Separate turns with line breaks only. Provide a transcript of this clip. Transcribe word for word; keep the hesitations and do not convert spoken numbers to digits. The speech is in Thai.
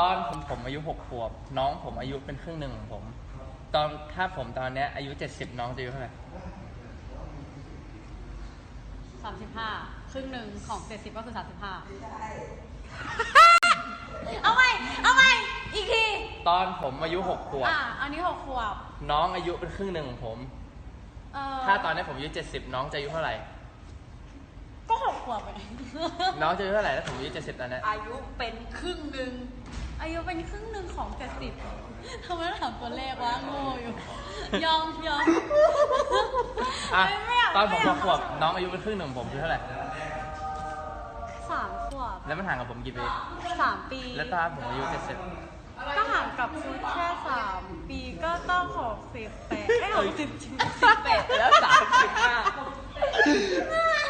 อนผมผมอายุหกขวบน้องผมอายุเป็นครึ่งหนึ่งของผมตอนถ้าผมตอนเนี้ยอายุเจ็ดสิบน้องจะอายุเท่าไหร่
สามสิบห้าครึ่งหนึ่งของเจ็ดสิบก็คือสามสิบห้าเอาใหม่เอาใหม่อีกที
ตอนผมอายุหกขวบ
อ่ะอันนี้หกขวบ
น้องอายุเป็นครึ่งหนึ่งของผมถ้าตอนนี้ผมอายุเจ็ดสิบน้องจะอายุเท่าไหร่
ก็หกขวบไป
น้องจะอายุเท่าไหร่ถ้าผมอายุเจ็ดสิบตอนนี้
อายุเป็นครึ่งหนึ่งอายุเป็นครึ่งหนึ่งของเจ็ดสิบทำไมต้องถามตัวเลขวะโง่อยู่ยอมยอม
อ่ะตอนผมหกขวบน้องอายุเป็นครึ่งหนึ่งของผมคือเท่าไหร่
สามขวบ
แล้วมันห่างกับผมกี่ปี
สามปี
แล้วตอนผมอายุเจ็ดสิบ
ก็ห่างกับคุณแค่สามปีก็ต้องหกสิบแปดไอ้หกสิบสิบแปด
แล้วสามสิบห้า